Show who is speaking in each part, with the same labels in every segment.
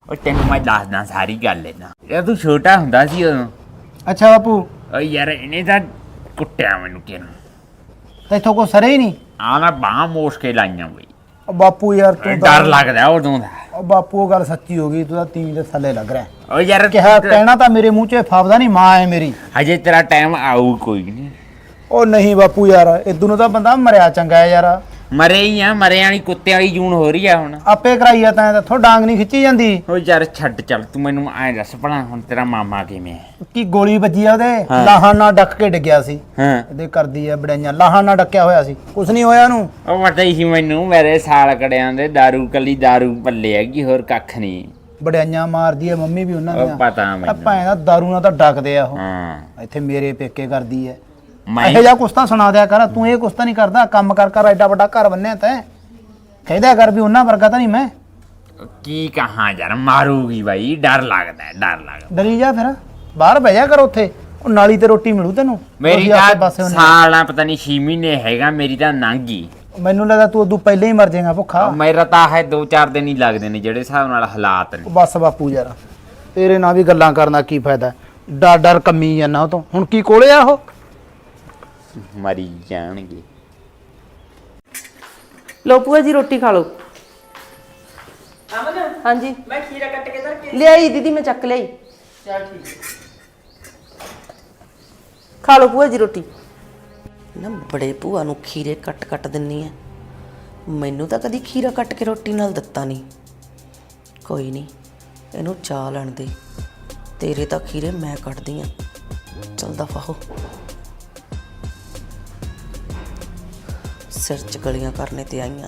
Speaker 1: ਉਹ ਤੈਨੂੰ ਮੈਂ ਦੱਸਦਾ ਸਾਰੀ ਗੱਲ ਇਹਨਾਂ ਯਾਰ ਤੂੰ ਛੋਟਾ ਹੁੰਦਾ ਸੀ ਉਦੋਂ।
Speaker 2: ਅੱਛਾ ਬਾਪੂ
Speaker 1: ਓ ਯਾਰ ਇਹਨੇ ਤਾਂ ਕੁੱਟਿਆ ਮੈਨੂੰ ਕਿਹਨੂੰ
Speaker 2: ਤੈਥੋਂ ਕੋ ਸਰੇ ਹੀ ਨਹੀਂ।
Speaker 1: ਆ ਨਾ ਬਾਹਾਂ ਮੋੜ ਕੇ ਲਾਈਆਂ ਬਈ।
Speaker 2: ਉਹ ਬਾਪੂ ਯਾਰ ਤੂੰ
Speaker 1: ਡਰ ਲੱਗਦਾ ਉਦੋਂ ਦਾ।
Speaker 2: ਉਹ ਬਾਪੂ ਉਹ ਗੱਲ ਸੱਚੀ ਹੋ ਗਈ, ਤੂੰ ਤਾਂ ਤੀਵੀਂ ਦੇ ਥੱਲੇ ਲੱਗ ਰਿਹਾ।
Speaker 1: ਓ ਯਾਰ
Speaker 2: ਕਿਹਾ ਕਹਿਣਾ ਤਾਂ ਮੇਰੇ ਮੂੰਹ 'ਚ ਫਾਫਦਾ ਨਹੀਂ, ਮਾਂ ਹੈ ਮੇਰੀ।
Speaker 1: ਹਜੇ ਤੇਰਾ ਟਾਈਮ ਆਊ ਕੋਈ ਨਹੀਂ।
Speaker 2: ਉਹ ਨਹੀਂ ਬਾਪੂ ਯਾਰ, ਇਦੋਂ ਨੂੰ ਤਾਂ ਬੰਦਾ ਮਰਿਆ ਚੰਗਾ ਹੈ ਯਾਰ।
Speaker 1: ਮਰੇ ਹੀ ਆ, ਮਰੇ ਵਾਲੀ ਕੁੱਤੇ ਵਾਲੀ ਜੂਨ ਹੋ ਰਹੀ ਆ ਹੁਣ।
Speaker 2: ਆਪੇ ਕਰਾਈ ਆ ਤਾਂ ਇੱਥੋਂ ਡਾਂਗ ਨਹੀਂ ਖਿੱਚੀ ਜਾਂਦੀ।
Speaker 1: ਓ ਯਾਰ ਛੱਡ ਚੱਲ ਤੂੰ ਮੈਨੂੰ ਐਂ ਦੱਸ ਭਲਾ ਹੁਣ ਤੇਰਾ ਮਾਮਾ ਕਿਵੇਂ ਹੈ?
Speaker 2: ਕੀ ਗੋਲੀ ਵੱਜੀ ਆ ਉਹਦੇ,
Speaker 1: ਹਾਂ।
Speaker 2: ਲਾਹਾਂ ਨਾਲ ਡੱਕ ਕੇ ਡਿੱਗਿਆ ਸੀ।
Speaker 1: ਹਾਂ
Speaker 2: ਇਹਦੇ ਕਰਦੀ ਆ ਬੜਾਈਆਂ, ਲਾਹਾਂ ਨਾਲ ਡੱਕਿਆ ਹੋਇਆ ਸੀ, ਕੁਛ ਨਹੀਂ ਹੋਇਆ ਉਹਨੂੰ।
Speaker 1: ਉਹ ਪਤਾ ਹੀ ਸੀ ਮੈਨੂੰ, ਮੇਰੇ ਸਾਲ ਕੜਿਆਂ ਦੇ ਦਾਰੂ ਕੱਲੀ ਦਾਰੂ ਪੱਲੇ ਹੈਗੀ, ਹੋਰ ਕੱਖ ਨਹੀਂ।
Speaker 2: ਬੜਾਈਆਂ ਮਾਰਦੀ ਆ ਮੰਮੀ ਵੀ ਉਹਨਾਂ
Speaker 1: ਉਹ
Speaker 2: ਦੀਆਂ।
Speaker 1: ਪਤਾ ਮੈਨੂੰ।
Speaker 2: ਭਾਵੇਂ ਦਾ ਦਾਰੂ ਨਾਲ ਤਾਂ ਡੱਕਦੇ ਆ ਉਹ।
Speaker 1: ਹਾਂ
Speaker 2: ਇੱਥੇ ਮੇਰੇ ਪੇਕੇ ਕਰਦੀ ਐ।
Speaker 1: ਮੈਂ
Speaker 2: ਇਹੋ ਜਿਹਾ ਕੁਛ ਤਾਂ ਸੁਣਾ ਦਿਆ ਕਰ, ਤੂੰ ਇਹ ਕੁਛ ਤਾਂ ਨਹੀਂ ਕਰਦਾ। ਕੰਮ ਕਰ ਕਰ ਐਡਾ ਵੱਡਾ ਘਰ ਬੰਨਿਆ ਤੈਂ, ਕਹਿੰਦਾ ਕਰ ਵੀ ਉਹਨਾਂ ਵਰਗਾ ਤਾਂ ਨਹੀਂ ਮੈਂ।
Speaker 1: ਕੀ ਕਹਾਂ ਯਾਰ, ਮਾਰੂਗੀ ਬਾਈ, ਡਰ ਲੱਗਦਾ ਡਰ ਲੱਗਦਾ।
Speaker 2: ਡਰੀ ਜਾ ਫਿਰ, ਬਾਹਰ ਬਹਿ ਜਾ ਕਰ ਉੱਥੇ, ਉਹ ਨਾਲੀ ਤੇ ਰੋਟੀ ਮਿਲੂ ਤੈਨੂੰ।
Speaker 1: ਮੇਰੀ
Speaker 2: ਉਹੀ ਆਸੇ
Speaker 1: ਤਾਂ
Speaker 2: ਪਾਸੇ ਹੁੰਦੇ।
Speaker 1: ਸਾਲਾਂ ਪਤਾ ਨਹੀਂ 6 ਮਹੀਨੇ ਹੈਗਾ, ਮੇਰੀ ਤਾਂ ਨਾਂਗੀ।
Speaker 2: ਮੈਨੂੰ ਲੱਗਦਾ ਤੂੰ ਉਦੋਂ ਪਹਿਲਾਂ ਹੀ ਮਰ ਜਾਏਗਾ ਭੁੱਖਾ।
Speaker 1: ਮੇਰਾ ਤਾਂ ਹੈ 2-4 ਦਿਨ ਹੀ ਲੱਗਦੇ ਨੇ ਜਿਹੜੇ ਹਿਸਾਬ ਨਾਲ ਹਾਲਾਤ ਨੇ।
Speaker 2: ਬਸ ਬਾਪੂ ਯਾਰ, ਤੇਰੇ ਨਾਲ ਵੀ ਗੱਲਾਂ ਕਰਨ ਦਾ ਕੀ ਫਾਇਦਾ, ਡਰ ਡਰ ਕੰਮੀ ਜਾਂਦਾ ਉਹ ਤੋਂ। ਹੁਣ ਕੀ ਕੋਲੇ ਆ ਉਹ?
Speaker 1: ਮਰੀ ਜਾਣਗੇ।
Speaker 3: ਲੋ ਭੂਆ ਜੀ ਰੋਟੀ ਖਾ ਲਓ।
Speaker 4: ਅਮਨ
Speaker 3: ਹਾਂਜੀ
Speaker 4: ਮੈਂ ਖੀਰਾ ਕੱਟ ਕੇ ਧਰ ਕੇ
Speaker 3: ਲਿਆਈ ਦੀਦੀ, ਮੈਂ ਚੱਕ ਲਿਆਈ।
Speaker 4: ਚੱਲ ਠੀਕ
Speaker 3: ਖਾ ਲਓ ਭੂਆ ਜੀ ਰੋਟੀ।
Speaker 5: ਨਾ ਬੜੇ ਭੂਆ ਨੂੰ ਖੀਰੇ ਕੱਟ ਕੱਟ ਦਿੰਨੀ ਆ, ਮੈਨੂੰ ਤਾਂ ਕਦੀ ਖੀਰਾ ਕੱਟ ਕੇ ਰੋਟੀ ਨਾਲ ਦਿੱਤਾ ਨਹੀਂ। ਕੋਈ ਨਹੀਂ, ਇਹਨੂੰ ਚਾਹ ਲੈਣ ਦੇ, ਤੇਰੇ ਤਾਂ ਖੀਰੇ ਮੈਂ ਕੱਟਦੀ ਆ। ਚੱਲ ਦਫਾ ਹੋ, ਸਿਰ ਚ ਗਲੀਆਂ ਕਰਨੇ ਤੇ ਆਈਆਂ।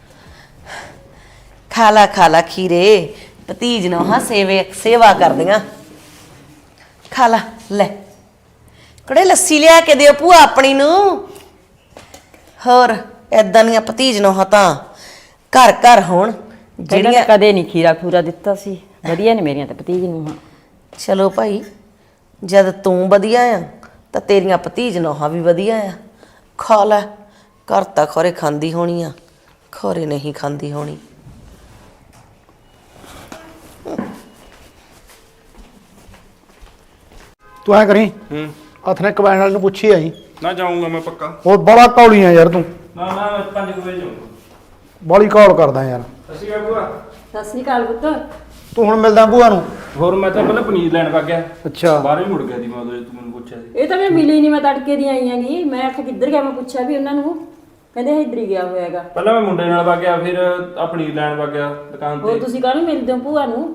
Speaker 5: ਖਾ ਲਾ ਖੀਰੇ, ਭਤੀਜ ਨੂੰ ਹਾਂ ਸੇਵਾ ਕਰਦੀਆਂ। ਖਾ ਲਾ, ਲੈ ਕੜੇ ਲੱਸੀ ਲਿਆ ਕੇ ਦਿਓ ਭੂਆ ਆਪਣੀ ਨੂੰ। ਹੋਰ ਏਦਾਂ ਦੀਆਂ ਭਤੀਜ ਨੂੰ ਹਾਂ ਤਾਂ ਘਰ ਘਰ ਹੋਣ ਜਿਹੜੀਆਂ।
Speaker 6: ਕਦੇ ਨਹੀਂ ਖੀਰਾ ਖੂਰਾ ਦਿੱਤਾ ਸੀ, ਵਧੀਆ ਨੇ ਮੇਰੀਆਂ ਤਾਂ ਭਤੀਜ ਨੂੰ। ਹਾਂ
Speaker 5: ਚਲੋ ਭਾਈ, ਜਦ ਤੂੰ ਵਧੀਆ ਆ ਤਾਂ ਤੇਰੀਆਂ ਭਤੀਜ ਨੋਹਾਂ ਵੀ ਵਧੀਆ ਆ। ਖਾ ਲੈ, ਘਰ ਤਾਂ ਖੋਰੇ ਖਾਂਦੀ ਹੋਣੀ ਆ, ਖੋਰੇ ਨਹੀਂ ਖਾਂਦੀ ਹੋਣੀ।
Speaker 2: ਤੂੰ ਐ ਕਰੀ, ਹੱਥ ਨੇ ਕਬੈਨ ਵਾਲੇ ਨੂੰ ਪੁੱਛੀ ਆਈ।
Speaker 7: ਨਾ ਜਾਊਂਗਾ ਮੈਂ ਪੱਕਾ।
Speaker 2: ਹੋਰ ਬੜਾ ਕੌਲੀ ਆ ਯਾਰ ਤੂੰ,
Speaker 7: ਨਾ 5 ਵਜੇ ਜਾਊਂਗਾ।
Speaker 2: ਬੜੀ ਕੌਲ ਕਰਦਾ ਯਾਰ।
Speaker 7: ਅਸੀਂ ਕਾ ਭੂਆ?
Speaker 6: ਸਤਿ ਸ੍ਰੀ ਅਕਾਲ ਪੁੱਤ।
Speaker 2: ਤੂੰ ਹੁਣ ਮਿਲਦਾ ਭੂਆ ਨੂੰ?
Speaker 7: ਹੋਰ ਮੈਂ ਤਾਂ ਪਹਿਲਾਂ ਪਨੀਰ ਲੈਣ ਵਗ ਗਿਆ,
Speaker 2: ਅੱਛਾ,
Speaker 7: ਬਾਹਰ ਹੀ ਮੁੜ ਗਿਆ ਦੀ ਮੈਂ ਉਦੋਂ ਤੂੰ ਮੈਨੂੰ ਪੁੱਛਿਆ ਸੀ।
Speaker 6: ਇਹ ਤਾਂ ਮੈਂ ਮਿਲੀ ਨਹੀਂ, ਮੈਂ ਤੜਕੇ ਦੀ ਆਈ ਆਂਗੀ। ਮੈਂ ਆਖਿਆ ਕਿੱਧਰ ਗਿਆ, ਮੈਂ ਪੁੱਛਿਆ ਵੀ ਉਹਨਾਂ ਨੂੰ, ਕਹਿੰਦੇ ਇੱਧਰ ਹੀ ਗਿਆ ਹੋਇਆਗਾ।
Speaker 7: ਪਹਿਲਾਂ ਮੈਂ ਮੁੰਡੇ ਨਾਲ ਵਗ ਗਿਆ, ਫਿਰ ਆ ਪਨੀਰ ਲੈਣ ਵਗ ਗਿਆ ਦੁਕਾਨ
Speaker 6: ਹੋਰ
Speaker 7: ਤੇ।
Speaker 6: ਤੁਸੀਂ ਕਾਹਨੂੰ ਮਿਲਦੇ ਹੋ ਭੂਆ ਨੂੰ?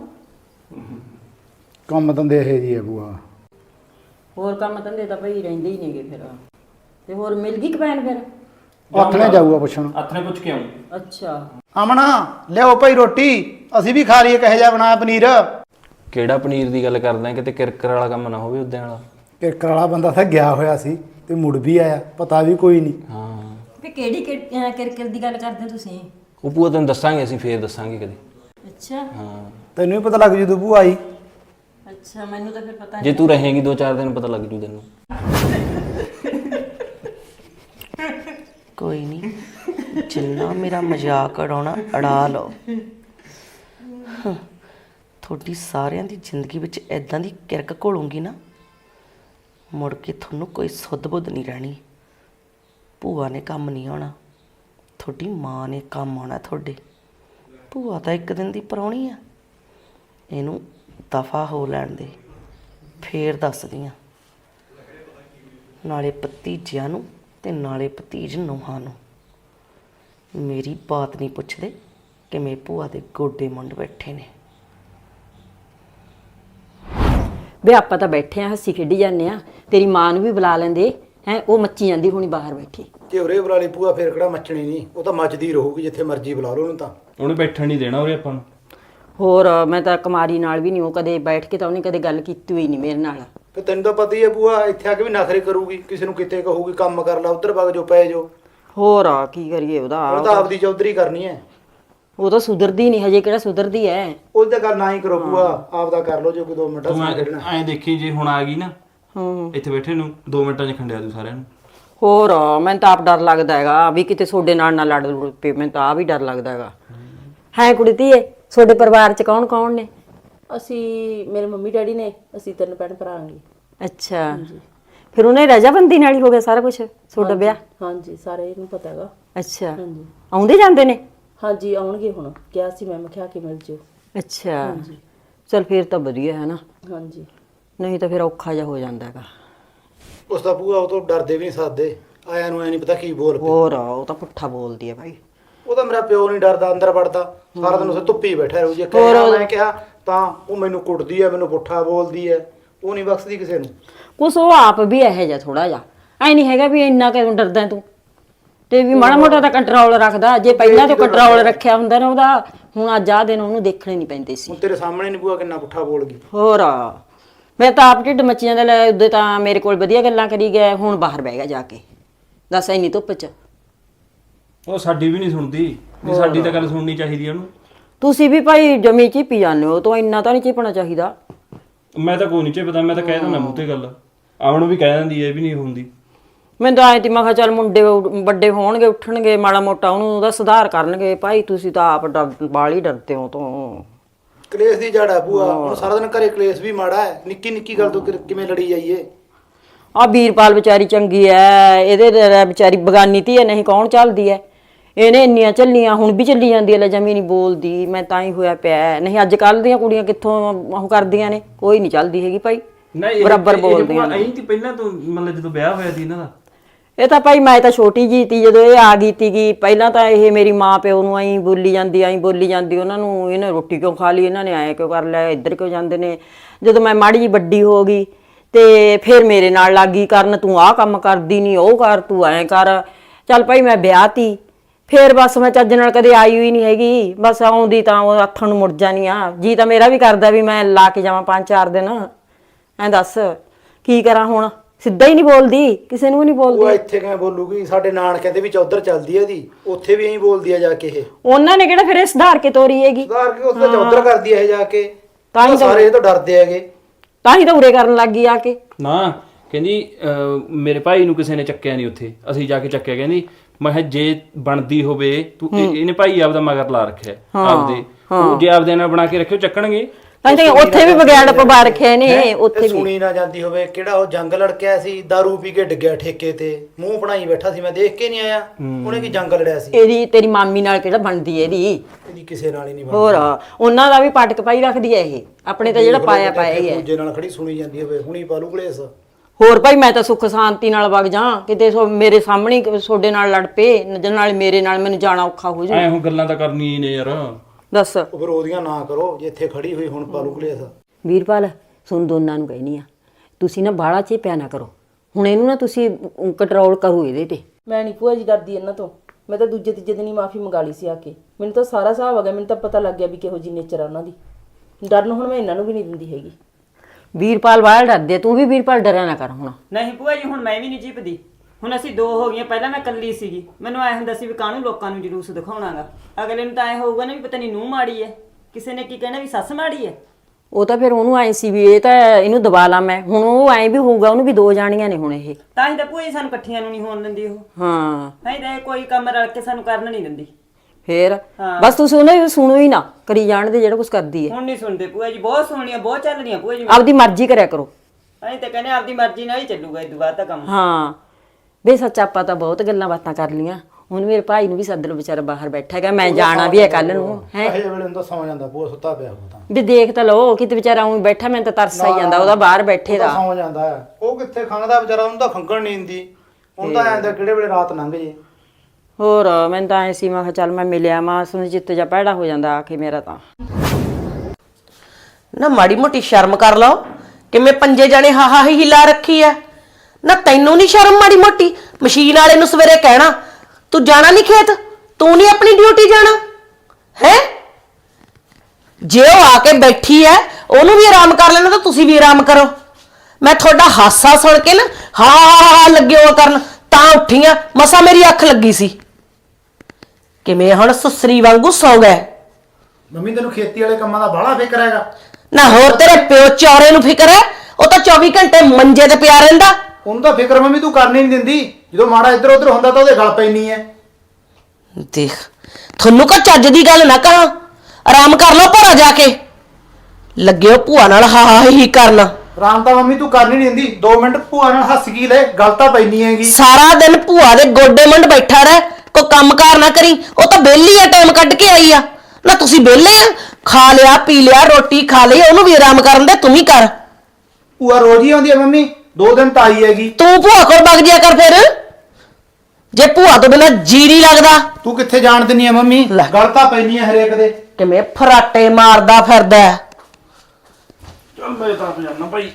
Speaker 2: ਕੰਮ ਧੰਦੇ ਇਹ ਜੀ ਹੈ ਭੂਆ।
Speaker 6: ਹੋਰ ਕੰਮ ਧੰਦੇ ਤਾਂ ਭਈ ਰਹਿੰਦੇ ਹੀ ਨੇਗੇ ਫਿਰ। ਤੇ ਹੋਰ ਮਿਲ ਗਈ ਕਪੈਨ ਫਿਰ?
Speaker 2: ਹੱਥ ਨੇ ਜਾਊਗਾ ਪੁੱਛਣ।
Speaker 7: ਹੱਥ ਨੇ ਪੁੱਛ ਕੇ ਆਉਂ।
Speaker 6: ਅੱਛਾ
Speaker 2: ਅਮਨਾ ਲਿਆਓ ਭਾਈ ਰੋਟੀ, ਅਸੀਂ ਵੀ ਖਾ ਲਈਏ। ਕਹੇ ਜਾ ਬਣਾਇਆ ਪਨੀਰ?
Speaker 8: ਕਿਹੜਾ ਪਨੀਰ ਦੀ ਗੱਲ ਕਰਦਾ, ਕਿਤੇ ਕਿਰਕਰ ਵਾਲਾ ਕੰਮ ਨਾ ਹੋਵੇ ਉਦੋਂ ਵਾਲਾ।
Speaker 2: ਕਿਰਕਰ ਵਾਲਾ ਬੰਦਾ ਤਾਂ ਗਿਆ ਹੋਇਆ ਸੀ ਤੇ ਮੁੜ ਵੀ ਆਇਆ, ਪਤਾ ਵੀ ਕੋਈ ਨਹੀਂ।
Speaker 8: ਹਾਂ,
Speaker 6: ਵੀ ਕਿਹੜੀ ਕਿਰਕਿਰ ਦੀ ਗੱਲ ਕਰਦੇ ਤੁਸੀਂ?
Speaker 8: ਉਹ ਭੂਆ ਤੈਨੂੰ ਦੱਸਾਂਗੇ, ਅਸੀਂ ਫੇਰ ਦੱਸਾਂਗੇ ਕਦੇ।
Speaker 6: ਅੱਛਾ
Speaker 8: ਹਾਂ,
Speaker 2: ਤੈਨੂੰ ਵੀ ਪਤਾ ਲੱਗ ਜੂ ਜਦੋਂ ਭੂਆ ਆਈ।
Speaker 6: ਅੱਛਾ, ਮੈਨੂੰ ਤਾਂ ਫਿਰ ਪਤਾ
Speaker 8: ਜੇ ਤੂੰ ਰਹੇਂਗੀ 2-4 ਦਿਨ ਪਤਾ ਲੱਗ ਜੂ ਤੈਨੂੰ।
Speaker 5: ਕੋਈ ਨਹੀਂ, ਜਿੰਨਾ ਮੇਰਾ ਮਜ਼ਾਕ ਉਡਾਉਣਾ ਉਡਾ ਲਓ। ਤੁਹਾਡੀ ਸਾਰਿਆਂ ਦੀ ਜ਼ਿੰਦਗੀ ਵਿੱਚ ਐਦਾਂ ਦੀ ਕਿਰਕ ਘੋਲੂੰਗੀ ਨਾ, ਮੁੜ ਕੇ ਤੁਹਾਨੂੰ ਕੋਈ ਸੁੱਧ ਬੁੱਧ ਨਹੀਂ ਰਹਿਣੀ। ਭੂਆ ਨੇ ਕੰਮ ਨਹੀਂ ਆਉਣਾ, ਤੁਹਾਡੀ ਮਾਂ ਨੇ ਕੰਮ ਆਉਣਾ ਤੁਹਾਡੇ। ਭੂਆ ਤਾਂ ਇੱਕ ਦਿਨ ਦੀ ਪ੍ਰਾਹੁਣੀ ਆ, ਇਹਨੂੰ ਦਫਾ ਹੋ ਲੈਣ ਦੇ, ਫੇਰ ਦੱਸਦੀ ਆ। ਨਾਲੇ ਭਤੀਜਿਆਂ ਨੂੰ ਤੇ ਨਾਲੇ ਭਤੀਜ ਨੂੰਹਾਂ ਨੂੰ ਮੇਰੀ ਬਾਤ ਨਹੀਂ ਪੁੱਛਦੇ ਕਿ ਮੇਰੇ ਭੂਆ ਦੇ ਗੋਡੇ ਮੁੰਡ ਬੈਠੇ ਨੇ।
Speaker 6: ਵੇ ਆਪਾਂ ਤਾਂ ਬੈਠੇ ਆ, ਹੱਸੀ ਖੇਡੀ ਜਾਂਦੇ ਆ। ਤੇਰੀ ਮਾਂ ਨੂੰ ਵੀ ਬੁਲਾ ਲੈਂਦੇ ਹੈ, ਉਹ ਮੱਚੀ ਜਾਂਦੀ ਹੁਣੀ ਬਾਹਰ ਬੈਠੀ।
Speaker 2: ਤੇ ਉਰੇ ਬੁਲਾਲੀ ਭੂਆ, ਫੇਰ ਕਿਹੜਾ ਮੱਚਣੀ ਨਹੀਂ, ਉਹ ਤਾਂ ਮੱਚਦੀ ਰਹੂਗੀ ਜਿੱਥੇ ਮਰਜ਼ੀ ਬੁਲਾ ਲਓ ਉਹਨੂੰ। ਤਾਂ
Speaker 7: ਉਹਨੇ ਬੈਠਣ ਨਹੀਂ ਦੇਣਾ ਉਰੇ ਆਪਾਂ ਨੂੰ।
Speaker 6: ਹੋਰ ਮੈਂ ਤਾਂ ਕੁਮਾਰੀ ਨਾਲ ਵੀ ਨਹੀਂ, ਉਹ ਕਦੇ ਬੈਠ ਕੇ ਤਾਂ ਉਹਨੇ ਕਦੇ ਗੱਲ ਕੀਤੀ ਹੋਈ ਨਹੀਂ ਮੇਰੇ ਨਾਲ।
Speaker 2: ਤੇ ਤੈਨੂੰ ਤਾਂ ਪਤਾ ਹੀ ਹੈ ਭੂਆ, ਇੱਥੇ ਆ ਕੇ ਵੀ ਨਖਰੇ ਕਰੂਗੀ, ਕਿਸੇ ਨੂੰ ਕਿਤੇ ਕਹੂਗੀ ਕੰਮ ਕਰ ਲਾ, ਉੱਧਰ ਵਗ ਜੋ ਪੈ ਜੋ।
Speaker 6: ਹੋਰ ਕੀ ਕਰੀਏ,
Speaker 2: ਉਹ ਤਾਂ ਆਪਦੀ ਚੌਧਰੀ ਕਰਨੀ ਹੈ।
Speaker 6: ਉਹ ਤਾਂ ਸੁਧਰਦੀ ਨਹੀਂ, ਹਜੇ ਕਿਹੜਾ ਸੁਧਰਦੀ ਹੈ।
Speaker 2: ਉਹਦੀ ਤਾਂ ਗੱਲ ਨਾ ਹੀ ਕਰੋ ਭੂਆ, ਆਪਦਾ ਕਰ ਲਓ ਜੋ ਕੋਈ 2 ਮਿੰਟਾਂ
Speaker 7: ਤੂੰ
Speaker 2: ਚ ਖੇਡਣਾ।
Speaker 7: ਐਂ ਦੇਖੀ ਜੇ ਹੁਣ ਆ ਗਈ ਨਾ
Speaker 6: ਹੂੰ,
Speaker 7: ਇੱਥੇ ਬੈਠੇ ਨੂੰ 2 ਮਿੰਟਾਂ 'ਚ ਖੰਡਿਆ ਤੂੰ ਸਾਰਿਆਂ ਨੂੰ।
Speaker 6: ਹੋਰ ਮੈਨੂੰ ਤਾਂ ਆਪ ਡਰ ਲੱਗਦਾ ਹੈਗਾ ਵੀ ਕਿਤੇ ਤੁਹਾਡੇ ਨਾਲ ਨਾ ਲੜ ਲੁੜ ਪਏ। ਮੈਨੂੰ ਤਾਂ ਆ ਵੀ ਡਰ ਲੱਗਦਾ ਹੈਗਾ। ਹੈ ਕੁੜੀ ਧੀਏ, ਤੁਹਾਡੇ ਪਰਿਵਾਰ ਚ ਕੌਣ ਕੌਣ ਨੇ?
Speaker 3: ਅਸੀਂ ਮੇਰੇ ਮੰਮੀ ਡੈਡੀ ਨੇ, ਅਸੀਂ 3 ਭੈਣ ਭਰਾ ਆਂਗੇ।
Speaker 6: ਅੱਛਾ ਫਿਰ ਉਹਨੇ ਰਜਾਬੰਦੀ ਨਾਲ ਹੀ ਹੋ ਗਿਆ ਸਾਰਾ ਕੁਝ ਤੁਹਾਡਾ ਵਿਆਹ?
Speaker 3: ਹਾਂਜੀ ਸਾਰੇ ਇਹਨੂੰ ਪਤਾ ਹੈਗਾ।
Speaker 6: ਅੱਛਾ ਆਉਂਦੇ ਜਾਂਦੇ ਨੇ?
Speaker 3: ਹਾਂਜੀ ਆਉਣਗੇ ਹੁਣ, ਕਿਹਾ ਸੀ ਮੈਂ ਕਿਹਾ ਕਿ ਮਿਲ ਜਿਓ।
Speaker 6: ਅੱਛਾ ਚਲ ਫਿਰ ਤਾਂ ਵਧੀਆ ਹੈ ਨਾ।
Speaker 3: ਹਾਂਜੀ
Speaker 6: ਨਹੀਂ ਤਾਂ ਫਿਰ ਔਖਾ ਜਿਹਾ ਹੋ ਜਾਂਦਾ ਹੈਗਾ।
Speaker 2: ਉਸ ਦਾ ਭੂਆ ਉਹ ਤੋਂ ਡਰਦੇ ਵੀ ਨਹੀਂ ਸਾਦੇ, ਆਇਆ ਨੂੰ ਐ ਨਹੀਂ ਪਤਾ ਕੀ ਬੋਲ ਪਏ।
Speaker 6: ਹੋਰ ਉਹ ਤਾਂ ਪੁੱਠਾ ਬੋਲਦੀ ਹੈ ਭਾਈ।
Speaker 2: ਉਹ ਤਾਂ ਮੇਰਾ ਪਿਓ ਨਹੀਂ ਡਰਦਾ, ਅੰਦਰ ਵੜਦਾ ਸਾਰਾ ਦਿਨ ਉਸੇ ਧੁੱਪੀ ਬੈਠਾ ਰਹੂ। ਜੇ ਮੈਂ ਕਿਹਾ ਤਾਂ ਉਹ ਮੈਨੂੰ ਕੁੱਟਦੀ ਐ, ਮੈਨੂੰ ਪੁੱਠਾ ਬੋਲਦੀ ਐ, ਉਹ ਨਹੀਂ ਬਖਸ਼ਦੀ ਕਿਸੇ ਨੂੰ।
Speaker 6: ਕੁਛ ਉਹ ਆਪ ਵੀ ਇਹੋ ਜਿਹਾ ਥੋੜਾ ਜਿਹਾ ਐ ਨਹੀਂ ਹੈਗਾ ਵੀ ਇੰਨਾ ਕਿਉਂ ਡਰਦਾ ਤੂੰ, ਤੇ ਵੀ ਮਾੜਾ ਮੋਟਾ ਤਾਂ ਕੰਟਰੋਲ ਰੱਖਦਾ। ਜੇ ਪਹਿਲਾਂ ਤੋਂ ਕੰਟਰੋਲ ਰੱਖਿਆ ਹੁੰਦਾ ਨਾ ਉਹਦਾ, ਹੁਣ ਅੱਜ ਆਹ ਦਿਨ ਉਹਨੂੰ ਦੇਖਣੇ ਨਹੀਂ ਪੈਂਦੇ ਸੀ।
Speaker 2: ਹੁਣ ਤੇਰੇ ਸਾਹਮਣੇ ਨਹੀਂ ਭੂਆ ਕਿੰਨਾ ਪੁੱਠਾ ਬੋਲ ਗਈ।
Speaker 6: ਹੋਰ ਮੈਂ ਤਾਂ ਆਪ ਢਿੱਡ ਮੱਚੀਆਂ ਦਾ ਲੈ, ਉਦੋਂ ਤਾਂ ਮੇਰੇ ਕੋਲ ਵਧੀਆ ਗੱਲਾਂ ਕਰੀ ਗਏ, ਹੁਣ ਬਾਹਰ ਬਹਿ ਗਿਆ ਜਾ ਕੇ। ਦੱਸ ਇੰਨੀ ਧੁੱਪ 'ਚ।
Speaker 7: ਉਹ ਸਾਡੀ ਵੀ ਨਹੀਂ ਸੁਣਦੀ, ਵੀ ਸਾਡੀ ਤਾਂ ਗੱਲ ਸੁਣਨੀ ਚਾਹੀਦੀ ਉਹਨੂੰ।
Speaker 6: ਤੁਸੀਂ ਵੀ ਭਾਈ ਜਮੀ ਚੀਪੀ ਜਾਂਦੇ ਹੋ, ਤਾਂ ਇੰਨਾ ਤਾਂ ਨਹੀਂ ਚੀਪਣਾ ਚਾਹੀਦਾ।
Speaker 7: ਮੈਂ ਤਾਂ ਕੋਈ ਨਹੀਂ ਚਿਪਦਾ, ਮੈਂ ਤਾਂ ਕਹਿ ਦਿੰਦਾ ਮੂੰਹ ਤੇ ਗੱਲ। ਆਵਣ ਵੀ ਕਹਿ ਦਿੰਦੀ ਐ ਵੀ ਨਹੀਂ ਹੁੰਦੀ।
Speaker 6: ਮੈਨੂੰ ਤਾਂ ਆਏ ਤੀ, ਮੈਂ ਕਿਹਾ ਚੱਲ ਮੁੰਡੇ ਵੱਡੇ ਹੋਣਗੇ, ਉੱਠਣਗੇ, ਮਾੜਾ ਮੋਟਾ ਉਹਨੂੰ ਉਹਦਾ ਸੁਧਾਰ ਕਰਨਗੇ। ਭਾਈ ਤੁਸੀਂ ਤਾਂ ਆਪ ਬਾਲੀ ਡਰਦੇ ਹੋ ਤੋਂ।
Speaker 2: ਕਲੇਸ਼ ਦੀ ਜੜ ਆ ਭੂਆ, ਹੁਣ ਸਾਰਾ ਦਿਨ ਘਰੇ ਕਲੇਸ਼ ਵੀ ਮਾੜਾ ਹੈ। ਨਿੱਕੀ ਨਿੱਕੀ ਗੱਲ ਤੋਂ ਕਿਵੇਂ ਲੜੀ ਜਾਈਏ।
Speaker 6: ਆ ਵੀਰਪਾਲ ਵਿਚਾਰੀ ਚੰਗੀ ਐ, ਇਹਦੇ ਵਿਚਾਰੀ ਬਗਾਨੀ ਧੀ ਐ, ਨਹੀਂ ਕੌਣ ਚੱਲਦੀ ਐ। ਇਹਨੇ ਇੰਨੀਆਂ ਚੱਲੀਆਂ, ਹੁਣ ਵੀ ਚੱਲੀ ਜਾਂਦੀ ਐ, ਲੈ ਜਮੀ ਨਹੀਂ ਬੋਲਦੀ। ਮੈਂ ਤਾਂ ਹੀ ਹੋਇਆ ਪਿਆ, ਨਹੀਂ ਅੱਜ ਕੱਲ ਦੀਆਂ ਕੁੜੀਆਂ ਕਿੱਥੋਂ ਉਹ ਕਰਦੀਆਂ ਨੇ, ਕੋਈ ਨਹੀਂ ਚੱਲਦੀ ਹੈਗੀ ਭਾਈ, ਬਰਾਬਰ ਬੋਲਦੀਆਂ ਨੇ।
Speaker 7: ਐਂ ਤੇ ਪਹਿਲਾਂ ਤੋਂ ਮਤਲਬ ਜਦੋਂ ਵਿਆਹ ਹੋਇਆ ਸੀ ਇਹਨਾਂ ਦਾ,
Speaker 6: ਇਹ ਤਾਂ ਭਾਈ ਮੈਂ ਤਾਂ ਛੋਟੀ ਜੀ ਤੀ ਜਦੋਂ ਇਹ ਆ ਗਈ ਤੀਗੀ। ਪਹਿਲਾਂ ਤਾਂ ਇਹ ਮੇਰੀ ਮਾਂ ਪਿਓ ਨੂੰ ਐਂ ਬੋਲੀ ਜਾਂਦੀ ਉਹਨਾਂ ਨੂੰ, ਇਹਨੇ ਰੋਟੀ ਕਿਉਂ ਖਾ ਲਈ, ਇਹਨਾਂ ਨੇ ਐਂ ਕਿਉਂ ਕਰ ਲਿਆ, ਇੱਧਰ ਕਿਉਂ ਜਾਂਦੇ ਨੇ। ਜਦੋਂ ਮੈਂ ਮਾੜੀ ਜੀ ਵੱਡੀ ਹੋ ਗਈ ਤੇ ਫਿਰ ਮੇਰੇ ਨਾਲ ਲੱਗੀ ਕਰਨ, ਤੂੰ ਆਹ ਕੰਮ ਕਰਦੀ ਨਹੀਂ, ਉਹ ਕਰ, ਤੂੰ ਐਂ ਕਰ। ਚੱਲ ਭਾਈ ਮੈਂ ਵਿਆਹ ਤੀ, ਫਿਰ ਬਸ ਮੈਂ ਚੱਜ ਨਾਲ ਕਦੇ ਆਈ ਹੋਈ ਨਹੀਂ ਹੈਗੀ। ਬਸ ਆਉਂਦੀ ਤਾਂ ਉਹ ਅੱਖਾਂ ਨੂੰ ਮੁੜ ਜਾਣੀ ਆ। ਜੀ ਤਾਂ ਮੇਰਾ ਵੀ ਕਰਦਾ ਵੀ ਮੈਂ ਲਾ ਕੇ ਜਾਵਾਂ 5-4 ਦਿਨ। ਐਂ ਦੱਸ ਕੀ ਕਰਾਂ ਹੁਣ, ਸਿੱਧਾ ਹੀ ਨਹੀਂ ਬੋਲਦੀ, ਕਿਸੇ ਨੂੰ ਵੀ ਨਹੀਂ
Speaker 2: ਉਹ
Speaker 6: ਬੋਲਦੀ।
Speaker 2: ਇੱਥੇ ਕਿਵੇਂ ਬੋਲੂਗੀ, ਸਾਡੇ ਨਾਨਕਿਆਂ ਦੇ ਵੀ ਚੌਧਰ ਚੱਲਦੀ ਐ ਇਹਦੀ, ਉੱਥੇ ਵੀ ਐਂ ਬੋਲਦੀ ਆ ਜਾ ਕੇ। ਇਹ
Speaker 6: ਉਹਨਾਂ ਨੇ ਕਿਹੜਾ ਫਿਰ ਇਹ ਸੁਧਾਰ ਕੇ ਤੋਰੀ ਹੈਗੀ।
Speaker 2: ਸੁਧਾਰ ਕੇ ਉਸ ਦਾ ਚੌਧਰ ਕਰਦੀ ਐ ਜਾ ਕੇ,
Speaker 6: ਤਾਂ ਹੀ
Speaker 2: ਸਾਰੇ ਇਹ ਤੋਂ ਡਰਦੇ ਹੈਗੇ।
Speaker 6: ਤਾਂ ਹੀ ਤਾਂ ਉਰੇ ਕਰਨ ਲੱਗ ਗਈ ਆ ਕੇ।
Speaker 7: ਨਾ ਕਹਿੰਦੀ ਮੇਰੇ ਭਾਈ ਨੂੰ ਕਿਸੇ ਨੇ ਚੱਕਿਆ ਨਹੀਂ ਉੱਥੇ, ਅਸੀਂ ਜਾ ਕੇ ਚੱਕਿਆ। ਕਹਿੰਦੀ ਮੈਂ ਕਿਹਾ ਜੇ ਬਣਦੀ ਹੋਵੇ ਤੂੰ, ਇਹਨੇ ਭਾਈ ਆਪਦਾ ਮਗਰ ਲਾ ਰੱਖਿਆ ਆਪਦੇ, ਜੇ ਆਪਦੇ ਨਾਲ ਬਣਾ ਕੇ ਰੱਖਿਓ ਚੱਕਣਗੇ।
Speaker 6: ਕਹਿੰਦੇ ਉੱਥੇ ਵੀ ਵਿਗਿਆੜ ਪਵਾ ਰੱਖਿਆ ਨੇ, ਉੱਥੇ ਵੀ
Speaker 2: ਸੁਣੀ ਨਾ ਜਾਂਦੀ ਹੋਵੇ। ਕਿਹੜਾ ਉਹ ਜੰਗ ਲੜਕਿਆ ਸੀ, ਦਾਰੂ ਪੀ ਕੇ ਡਿੱਗਿਆ ਠੇਕੇ ਤੇ, ਮੂੰਹ ਬਣਾਈ ਬੈਠਾ ਸੀ, ਮੈਂ ਦੇਖ ਕੇ ਨਹੀਂ ਆਇਆ। ਉਹਨੇ ਕੀ ਜੰਗ ਲੜਿਆ ਸੀ?
Speaker 6: ਇਹਦੀ ਤੇਰੀ ਮਾਮੀ ਨਾਲ ਕਿਹੜਾ ਬਣਦੀ ਇਹਦੀ
Speaker 2: ਕਿਸੇ ਨਾਲ ਹੀ ਨਹੀਂ ਬਣਦੀ।
Speaker 6: ਹੋਰ ਉਹਨਾਂ ਦਾ ਵੀ ਪਟਕ ਪਾਈ ਰੱਖਦੀ ਐ ਇਹ, ਆਪਣੇ ਤਾਂ ਜਿਹੜਾ ਪਾਇਆ ਹੀ ਹੈ।
Speaker 2: ਦੂਜੇ ਨਾਲ ਖੜੀ ਸੁਣੀ ਜਾਂਦੀ ਹੋਵੇ, ਹੁਣੀ ਪਾਲੂ ਕਲੇਸ਼।
Speaker 6: ਹੋਰ ਭਾਈ ਮੈਂ ਤਾਂ ਸੁੱਖ ਸ਼ਾਂਤੀ ਨਾਲ ਵਗ ਜਾ, ਕਿਤੇ ਮੇਰੇ ਸਾਹਮਣੇ ਤੁਹਾਡੇ ਨਾਲ ਲੜ ਪਏ ਨਾਲ, ਮੇਰੇ ਨਾਲ ਮੈਨੂੰ ਜਾਣਾ ਔਖਾ ਹੋ ਜਾਏ।
Speaker 7: ਐ ਹੁਣ ਗੱਲਾਂ ਤਾਂ ਕਰਨੀਆਂ ਨੇ ਯਾਰ।
Speaker 6: ਦੱਸ
Speaker 2: ਉਹ ਫਿਰ ਉਹਦੀਆਂ ਨਾ ਕਰੋ, ਜੇ ਇੱਥੇ ਖੜੀ ਹੋਈ ਹੁਣ ਪਾਲੂ ਕਲੇਸ਼।
Speaker 6: ਵੀਰਪਾਲ ਸੁਣ, ਦੋਨਾਂ ਨੂੰ ਕਹਿਨੀ ਆ, ਤੁਸੀਂ ਨਾ ਬਾਹਲਾ ਚੇਪਿਆ ਨਾ ਕਰੋ। ਹੁਣ ਇਹਨੂੰ ਨਾ ਤੁਸੀਂ ਕੰਟਰੋਲ ਕਰੋ ਇਹਦੇ ਤੇ।
Speaker 3: ਮੈਂ ਨਹੀਂ ਭੂਆ ਜੀ ਡਰਦੀ ਇਹਨਾਂ ਤੋਂ। ਮੈਂ ਤਾਂ ਦੂਜੇ ਤੀਜੇ ਦਿਨ ਹੀ ਮਾਫੀ ਮੰਗਾ ਲਈ ਸੀ ਆ ਕੇ। ਮੈਨੂੰ ਤਾਂ ਸਾਰਾ ਹਿਸਾਬ ਆ ਗਿਆ, ਮੈਨੂੰ ਤਾਂ ਪਤਾ ਲੱਗ ਗਿਆ ਵੀ ਕਿਹੋ ਜੀ ਨੇਚਰ ਆ ਉਹਨਾਂ ਦੀ। ਡਰਨ ਹੁਣ ਮੈਂ ਇਹਨਾਂ ਨੂੰ ਵੀ ਨਹੀਂ ਦਿੰਦੀ ਹੈਗੀ।
Speaker 6: ਵੀਰਪਾਲ ਬਾਹਲਾ ਡਰਦੇ, ਤੂੰ ਵੀ ਵੀਰਪਾਲ ਡਰਿਆ ਨਾ ਕਰ ਹੁਣ।
Speaker 4: ਨਹੀਂ ਭੂਆ ਜੀ ਹੁਣ ਮੈਂ ਵੀ ਨਹੀਂ ਚਿਪਦੀ। ਹੁਣ ਅਸੀਂ 2 ਹੋ ਗਈਆਂ, ਪਹਿਲਾਂ ਮੈਂ ਇਕੱਲੀ ਸੀਗੀ। ਮੈਨੂੰ ਐ ਹੁੰਦਾ ਸੀ ਵੀ ਕਾਹਨੂੰ ਲੋਕਾਂ ਨੂੰ ਜਲੂਸ ਦਿਖਾਉਣਾਗਾ। ਅਗਲੇ ਨੂੰ ਤਾਂ ਐ ਹੋਊਗਾ ਨਾ ਵੀ ਪਤਾ ਨਹੀਂ ਨੂੰਹ ਮਾੜੀ ਐ, ਕਿਸੇ ਨੇ ਕੀ ਕਹਿਣਾ ਵੀ ਸੱਸ ਮਾੜੀ ਐ।
Speaker 6: ਉਹ ਤਾਂ ਫਿਰ ਉਹਨੂੰ ਐ ਸੀ ਵੀ ਇਹ ਤਾਂ ਇਹਨੂੰ ਦਬਾ ਲਾਂ ਮੈਂ, ਹੁਣ ਉਹ ਐ ਵੀ ਹੋਊਗਾ ਉਹਨੂੰ ਵੀ 2 ਜਾਣੀਆਂ ਨੇ ਹੁਣ ਇਹ।
Speaker 4: ਤਾਂ ਹੀ ਤਾਂ ਭੂਆ ਜੀ ਸਾਨੂੰ ਇਕੱਠੀਆਂ ਨੂੰ ਨਹੀਂ ਹੋਣ ਦਿੰਦੀ ਉਹ।
Speaker 6: ਹਾਂ
Speaker 4: ਨਹੀਂ ਤਾਂ ਇਹ ਕੋਈ ਕੰਮ ਰਲ ਕੇ ਸਾਨੂੰ ਕਰਨ ਨਹੀਂ ਦਿੰਦੀ।
Speaker 6: ਫੇਰ ਬਸ ਤੁਸੀਂ ਉਹਨੇ ਸੁਣੋ ਹੀ ਨਾ, ਕਰੀ ਜਾਣ ਦੇ ਜਿਹੜਾ ਕੁਝ ਕਰਦੀ ਹੈ।
Speaker 4: ਹੁਣ ਨਹੀਂ ਸੁਣਦੇ ਭੂਆ ਜੀ, ਬਹੁਤ ਸੋਹਣੀਆਂ, ਬਹੁਤ ਚੱਲ ਰਹੀਆਂ ਭੂਆ ਜੀ।
Speaker 6: ਆਪਦੀ ਮਰਜ਼ੀ ਕਰਿਆ ਕਰੋ।
Speaker 4: ਅਸੀਂ ਤਾਂ ਕਹਿੰਦੇ ਆਪਦੀ ਮਰਜ਼ੀ ਨਾਲ ਹੀ ਚੱਲੂਗਾ ਇਹ ਦੁਬਾਰਾ ਤਾਂ ਕੰਮ।
Speaker 6: ਹਾਂ ਬੇ ਸੱਚ, ਆਪਾਂ ਤਾਂ ਬਹੁਤ ਗੱਲਾਂ ਬਾਤਾਂ ਕਰ ਲੀਆਂ। ਹੁਣ ਮੇਰੇ ਭਾਈ ਨੂੰ ਵੀ ਸੱਦ ਲਓ, ਵਿਚਾਰਾ ਬਾਹਰ ਬੈਠਾ ਹੈਗਾ, ਮੈਂ ਜਾਣਾ ਵੀ ਹੈ ਕੱਲ ਨੂੰ। ਹੈ
Speaker 2: ਇਹ ਵੇਲੇ ਹੁੰਦਾ ਸੌ ਜਾਂਦਾ, ਪੂਰਾ ਸੁੱਤਾ ਪਿਆ ਉਹ ਤਾਂ।
Speaker 6: ਵੀ ਦੇਖ ਤਾਂ ਲਓ, ਕਿਤੇ ਵਿਚਾਰਾ ਉਂ ਬੈਠਾ, ਮੈਨੂੰ ਤਾਂ ਤਰਸ ਆਈ ਜਾਂਦਾ ਉਹਦਾ ਬਾਹਰ ਬੈਠੇ ਦਾ।
Speaker 2: ਸੌ ਜਾਂਦਾ ਹੈ ਉਹ, ਕਿੱਥੇ ਖੰਗਦਾ ਵਿਚਾਰਾ, ਉਹਨੂੰ ਤਾਂ ਖੰਗਣ ਨਹੀਂ ਦਿੰਦੀ। ਉਹਨੂੰ ਤਾਂ ਐਂ ਦਾ ਕਿਹੜੇ ਵੇਲੇ ਰਾਤ ਲੰਘ ਜੇ।
Speaker 6: ਹੋਰ ਮੈਨੂੰ ਤਾਂ ਐ ਸੀ, ਮੈਂ ਕਿਹਾ ਚੱਲ ਮੈਂ ਮਿਲਿਆ ਮਾਂ, ਸੁਣ ਚਿੱਤ ਜਾ ਭੈੜਾ ਹੋ ਜਾਂਦਾ ਆ ਕੇ ਮੇਰਾ ਤਾਂ।
Speaker 5: ਨਾ ਮਾੜੀ ਮੋਟੀ ਸ਼ਰਮ ਕਰ ਲਓ, ਕਿਵੇਂ ਪੰਜੇ ਜਾਣੇ ਹਾਹਾ ਹੀ ਹਿਲਾ ਰੱਖੀ ਐ। ਨਾ ਤੈਨੂੰ ਨਹੀਂ ਸ਼ਰਮ ਮਾੜੀ ਮੋਟੀ? ਮਸ਼ੀਨ ਵਾਲੇ ਨੂੰ ਸਵੇਰੇ ਕਹਿਣਾ ਤੂੰ ਜਾਣਾ ਨਹੀਂ ਖੇਤ, ਤੂੰ ਨਹੀਂ ਆਪਣੀ ਡਿਊਟੀ ਜਾਣਾ ਹੈ? ਜੇ ਉਹ ਆ ਕੇ ਬੈਠੀ ਐ, ਉਹਨੂੰ ਵੀ ਆਰਾਮ ਕਰ ਲੈਣਾ ਤਾਂ ਤੁਸੀਂ ਵੀ ਆਰਾਮ ਕਰੋ। ਮੈਂ ਤੁਹਾਡਾ ਹਾਸਾ ਸੁਣ ਕੇ ਨਾ ਹਾਂ ਲੱਗੇ ਉਹ ਕਰਨ, ਤਾਂ ਉੱਠੀਆਂ, ਮਸਾ ਮੇਰੀ ਅੱਖ ਲੱਗੀ ਸੀ। ਕਿਵੇਂ ਹੁਣ ਸੁਸਰੀ ਵਾਂਗੂ ਸੌ ਗਏ।
Speaker 2: ਮੰਮੀ ਤੈਨੂੰ ਖੇਤੀ ਵਾਲੇ ਕੰਮਾਂ ਦਾ ਬਾਹਲਾ ਫਿਕਰ ਹੈਗਾ।
Speaker 5: ਨਾ ਹੋਰ ਤੇਰੇ ਪਿਓ ਚੌਰੇ ਨੂੰ ਫਿਕਰ ਹੈ, ਉਹ ਤਾਂ 24 ਘੰਟੇ ਮੰਜੇ ਤੇ ਪਿਆ ਰਹਿੰਦਾ।
Speaker 2: ਉਹਨੂੰ ਤਾਂ ਫਿਕਰ ਮੰਮੀ ਤੂੰ ਕਰਨੀ ਨਹੀਂ ਦਿੰਦੀ, ਜਦੋਂ ਮਾੜਾ ਇੱਧਰ ਉੱਧਰ ਹੁੰਦਾ ਤਾਂ ਉਹਦੇ ਗਲ ਪੈਣੀ ਐ।
Speaker 5: ਦੇਖ ਤੁਹਾਨੂੰ ਕੋ ਚੱਜ ਦੀ ਗੱਲ ਨਾ ਕਹਾਂ, ਆਰਾਮ ਕਰ ਲਓ ਭਰਾ ਜਾ ਕੇ। ਲੱਗਿਓ ਭੂਆ ਨਾਲ ਹਾ ਹਾ ਹੀ ਕਰਨ।
Speaker 2: ਆਰਾਮ ਤਾਂ ਮੰਮੀ ਤੂੰ ਕਰਨੀ ਨਹੀਂ ਦਿੰਦੀ 2 ਮਿੰਟ ਭੂਆ ਨਾਲ ਹੱਸ ਕੀ ਲੈ, ਗੱਲ ਤਾਂ ਪੈਣੀ ਹੈਗੀ।
Speaker 5: ਸਾਰਾ ਦਿਨ ਭੂਆ ਦੇ ਗੋਡੇ ਮੰਡ ਬੈਠਾ ਰਹਿ, ਕੋਈ ਕੰਮਕਾਰ ਨਾ ਕਰੀ। ਉਹ ਤਾਂ ਵਿਹਲੀ ਆ, ਟਾਈਮ ਕੱਢ ਕੇ ਆਈ ਆ ਨਾ। ਤੁਸੀਂ ਵਿਹਲੇ ਆ, ਖਾ ਲਿਆ ਪੀ ਲਿਆ, ਰੋਟੀ ਖਾ ਲਈ, ਉਹਨੂੰ ਵੀ ਆਰਾਮ ਕਰਨ ਦੇ, ਤੂੰ ਵੀ ਕਰ।
Speaker 2: ਭੂਆ ਰੋਜ਼ ਹੀ ਆਉਂਦੀ ਹੈ ਮੰਮੀ, 2 ਦਿਨ ਤਾਂ ਆਈ ਹੈਗੀ।
Speaker 5: ਤੂੰ ਭੂਆ ਕੋਲ ਵਗ ਜਿਆ ਕਰ ਫਿਰ, ਜੇ ਭੂਆ ਤੋਂ ਬਿਨਾਂ ਜੀ ਨਹੀਂ ਲੱਗਦਾ।
Speaker 2: ਤੂੰ ਕਿੱਥੇ ਜਾਣ ਦਿੰਨੀ ਆ ਮੰਮੀ, ਗੱਲ ਤਾਂ ਪੈਣੀ ਹੈ ਹਰੇਕ ਦੇ।
Speaker 5: ਕਿਵੇਂ ਫਰਾਟੇ ਮਾਰਦਾ ਫਿਰਦਾ ਹੈ।
Speaker 7: ਚੱਲ ਮੈਂ ਤਾਂ ਜਾਣਾ ਭਾਈ।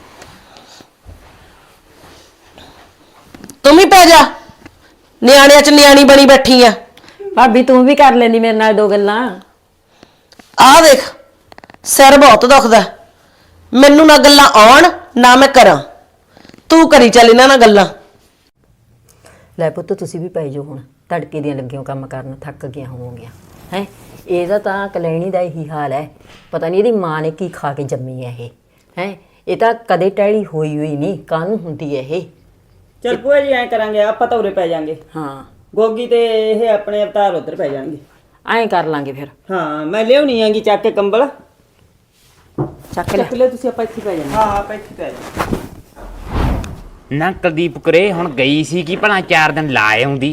Speaker 5: ਤੂੰ ਵੀ ਪੈ ਜਾ, ਨਿਆਣਿਆਂ ਚ ਨਿਆਣੀ ਬਣੀ ਬੈਠੀ ਆ।
Speaker 6: ਭਾਬੀ ਤੂੰ ਵੀ ਕਰ ਲੈਂਦੀ ਮੇਰੇ ਨਾਲ 2 ਗੱਲਾਂ।
Speaker 5: ਆਹ ਦੇਖ, ਸਿਰ ਬਹੁਤ ਦੁਖਦਾ, ਮੈਨੂੰ ਨਾ ਗੱਲਾਂ ਆਉਣ ਨਾ ਮੈਂ ਕਰਾਂ, ਤੂੰ ਕਰੀ ਚੱਲ ਇਹਨਾਂ ਨਾਲ ਗੱਲਾਂ।
Speaker 6: ਲੈ ਪੁੱਤ ਤੁਸੀਂ ਵੀ ਪੈ ਜਾਓ ਹੁਣ, ਤੜਕੇ ਦੀਆਂ ਲੱਗੀਆਂ ਕੰਮ ਕਰਨ, ਥੱਕ ਗਿਆ ਹੋਵੋਗੀਆਂ ਹੈ। ਇਹਦਾ ਤਾਂ ਕਲੈਣੀ ਦਾ ਇਹੀ ਹਾਲ ਹੈ, ਪਤਾ ਨਹੀਂ ਇਹਦੀ ਮਾਂ ਨੇ ਕੀ ਖਾ ਕੇ ਜੰਮੀ ਹੈ ਇਹ ਹੈ। ਇਹ ਤਾਂ ਕਦੇ ਟਹਿਲੀ ਹੋਈ ਨਹੀਂ, ਕਾਹਨੂੰ ਹੁੰਦੀ ਹੈ ਇਹ।
Speaker 4: ਚਲ ਭੂਆ ਜੀ ਐ ਕਰਾਂਗੇ, ਆਪਾਂ ਤਾਂ ਉਰੇ ਪੈ ਜਾਾਂਗੇ।
Speaker 6: ਹਾਂ
Speaker 4: ਗੋਗੀ ਤੇ ਇਹ ਆਪਣੇ ਅਵਤਾਰ ਉੱਧਰ ਪੈ ਜਾਣਗੇ।
Speaker 6: ਐਂ ਕਰ ਲਾਂਗੇ ਫਿਰ।
Speaker 4: ਹਾਂ ਮੈਂ ਲਿਆਉਣੀ ਆਂਗੀ ਚੱਕ ਕੇ ਕੰਬਲ।
Speaker 6: ਚੱਕ ਲੈ।
Speaker 3: ਚੱਕ ਲਿਓ ਤੁਸੀਂ, ਆਪਾਂ ਇੱਥੇ ਪੈ ਜਾਣਾ।
Speaker 4: ਹਾਂ ਆਪਾਂ ਇੱਥੇ ਪੈ ਜਾਾਂਗੇ।
Speaker 1: ਨਾ ਕੁਲਦੀਪ ਕੁਰੇ ਹੁਣ ਗਈ ਸੀ ਕਿ ਭਲਾ 4 ਦਿਨ ਲਾ ਆਉਂਦੀ।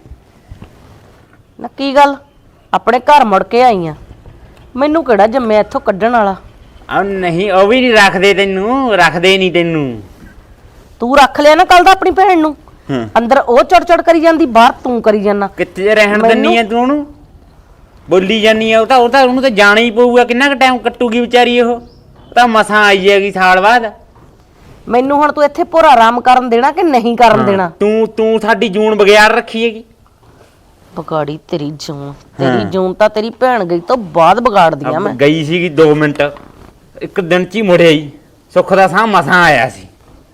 Speaker 5: ਨਾ ਕੀ ਗੱਲ, ਆਪਣੇ ਘਰ ਮੁੜ ਕੇ ਆਈ ਆ, ਮੈਨੂੰ ਕਿਹੜਾ ਜੰਮਿਆ ਇੱਥੋਂ ਕੱਢਣ ਵਾਲਾ।
Speaker 1: ਆ ਨਹੀਂ, ਉਹ ਵੀ ਨਹੀਂ ਰੱਖਦੇ ਤੈਨੂੰ, ਰੱਖਦੇ ਨਹੀਂ ਤੈਨੂੰ।
Speaker 5: ਤੂੰ ਰੱਖ ਲਿਆ ਨਾ ਕੱਲ ਦਾ ਆਪਣੀ ਭੈਣ ਨੂੰ, ਅੰਦਰ ਉਹ ਚੜ ਕਰੀ ਜਾਂਦੀ, ਬਾਹਰ ਤੂੰ ਕਰੀ ਜਾਂਦਾ।
Speaker 1: ਕਿੱਥੇ ਰਹਿਣ ਦਿੰਨੀ ਆ ਤੂੰ ਉਹਨੂੰ, ਬੋਲੀ ਜਾਨੀ ਆ। ਉਹ ਤਾਂ ਉਹਨੂੰ ਤਾਂ ਜਾਣਾ ਹੀ ਪਊਗਾ, ਕਿੰਨਾ ਕੁ ਟਾਈਮ ਕੱਟੂਗੀ ਵਿਚਾਰੀ। ਉਹ ਤਾਂ ਮਸਾਂ ਆਈ ਹੈਗੀ ਸਾਲ ਬਾਅਦ।
Speaker 5: ਮੈਨੂੰ ਹੁਣ ਤੂੰ ਇੱਥੇ ਪੂਰਾ ਆਰਾਮ ਕਰਨ ਦੇਣਾ ਕਿ ਨਹੀਂ ਕਰਨ ਦੇਣਾ?
Speaker 1: ਤੂੰ ਸਾਡੀ ਜੂਨ ਬਗਿਆੜ ਰੱਖੀ ਹੈਗੀ।
Speaker 5: ਬਗਾੜੀ ਤੇਰੀ ਜੂਨ ਤਾਂ ਤੇਰੀ ਭੈਣ ਗਈ ਤੋਂ ਬਾਅਦ ਵਿਗਾੜਦੀ ਆ ਮੈਂ।
Speaker 1: ਗਈ ਸੀਗੀ 2 ਮਿੰਟ, 1 ਦਿਨ ਚ ਹੀ ਮੁੜਿਆ ਹੀ। ਸੁੱਖ ਦਾ ਸਾਹ ਮਸਾਂ ਆਇਆ ਸੀ।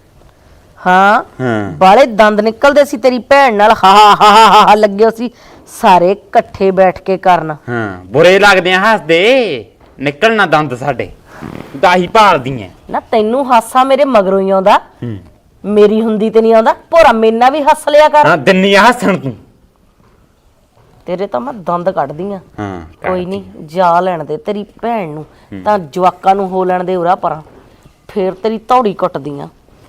Speaker 5: ਹਾਂ
Speaker 1: ਹਾਂ
Speaker 5: ਬਾਲੇ ਦੰਦ ਨਿਕਲਦੇ ਸੀ ਤੇਰੀ ਭੈਣ ਨਾਲ, ਹਾ ਹਾ ਹਾ ਹਾ ਲੱਗੇ ਸੀ ਸਾਰੇ ਇਕੱਠੇ ਬੈਠ ਕੇ ਕਰਨ।
Speaker 1: ਹਾਂ ਬੁਰੇ ਲੱਗਦੇ ਆ ਹੱਸਦੇ, ਨਿਕਲਣਾ ਦੰਦ ਸਾਡੇ, ਤਾਂ ਹੀ ਭਾਲਦੀ ਐ
Speaker 5: ਨਾ। ਤੈਨੂੰ ਹਾਸਾ ਮੇਰੇ ਮਗਰੋਂ ਹੀ ਆਉਂਦਾ, ਮੇਰੀ ਹੁੰਦੀ ਤੇ ਨਹੀਂ ਆਉਂਦਾ। ਭੋਰਾ ਮੇਨਾ ਵੀ ਹੱਸ ਲਿਆ ਕਰ।
Speaker 1: ਹਾਂ ਦਿੰਨੀ ਆ ਹੱਸਣ ਤੂੰ।
Speaker 5: ਤੇਰੇ ਤਾਂ ਮੈਂ ਦੰਦ ਕੱਢਦੀ ਆ।
Speaker 1: ਹਾਂ
Speaker 5: ਕੋਈ ਨਹੀਂ, ਜਾ ਲੈਣ ਦੇ ਤੇਰੀ ਭੈਣ ਨੂੰ, ਤਾਂ ਜਵਾਕਾਂ ਨੂੰ ਹੋ ਲੈਣ ਦੇ ਉਰਾ ਪਰਾਂ, ਫੇਰ ਤੇਰੀ ਧੌੜੀ ਕੁੱਟਦੀ ਆ।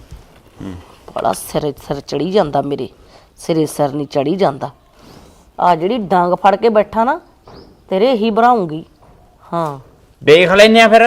Speaker 5: ਬੜਾ ਸਿਰ ਚੜੀ ਜਾਂਦਾ ਮੇਰੇ, ਸਿਰੇ ਸਿਰ ਨਹੀਂ ਚੜੀ ਜਾਂਦਾ। ਆ ਜਿਹੜੀ ਡਾਂਗ ਫੜ ਕੇ ਬੈਠਾ ਨਾ, ਤੇਰੇ ਹੀ ਬਣਾਉਂਗੀ। ਹਾਂ
Speaker 1: ਦੇਖ ਲੈਨੇ ਆ ਫਿਰ,